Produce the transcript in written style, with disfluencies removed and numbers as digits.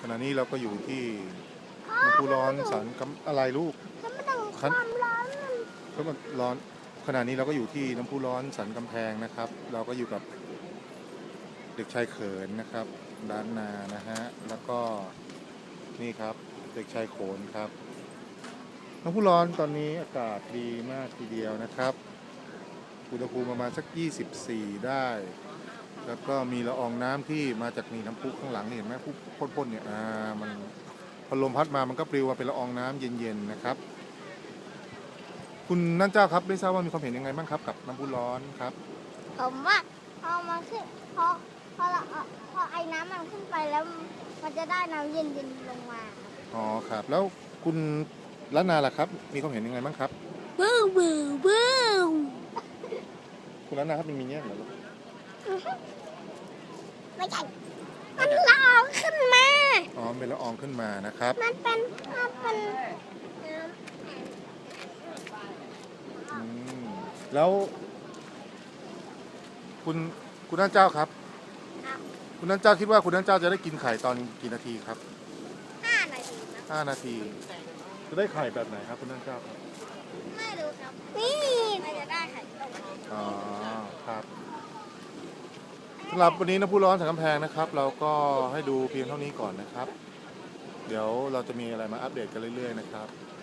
ณะนี้เราก็อยู่ที่น้ำพุร้อนสันกำอะไรลูกถ้ามันต้องความร้อนมันก็มันร้อนขณะนี้เราก็อยู่ที่น้ำพุร้อนสันกำแพงนะครับ เราก็อยู่กับเด็กชายเขินนะครับด้านนานะฮะแล้วก็นี่ครับเด็กชายโขนครับน้ำพุร้อนตอนนี้อากาศดีมากทีเดียวนะครับอุณหภูมิประมาณสัก24ได้แล้วก็มีละอองน้ำที่มาจากนี่น้ำพุข้างหลังนี่เห็นไหมพุพ่นๆเนี่ยมันพอลมพัดมามันก็ปลิวมาเป็นละอองน้ำเย็นๆนะครับคุณนั่นเจ้าครับได้ทราบว่ามีความเห็นยังไงบ้างครับกับน้ำพุร้อนครับผมว่าพอมันขึ้นพอไอ้น้ำมันขึ้นไปแล้วมันจะได้น้ำเย็นๆลงมาอ๋อครับแล้วคุณล้านนาล่ะครับมีความเห็นยังไงบ้างครับบูบูบูคุณล้านนาครับมีเงี้ยเหรอไม่ใช่มันละอองขึ้นมาอ๋อเป็นละอองขึ้นมานะครับมันเป็นแล้วคุณนั่นเจ้าครับคุณนั่นเจ้าคิดว่าคุณนั่นเจ้าจะได้กินไข่ตอนกี่นาทีครับ 5 นาทีนะ 5 นาทีจะได้ไข่แบบไหนครับคุณนั่นเจ้าครับไม่รู้ครับนี่มันจะได้ไข่ต้มอ๋อครับสำหรับวันนี้น้ำพุร้อนสันกำแพงนะครับ เราก็ให้ดูเพียงเท่านี้ก่อนนะครับ เดี๋ยวเราจะมีอะไรมาอัปเดตกันเรื่อยๆนะครับ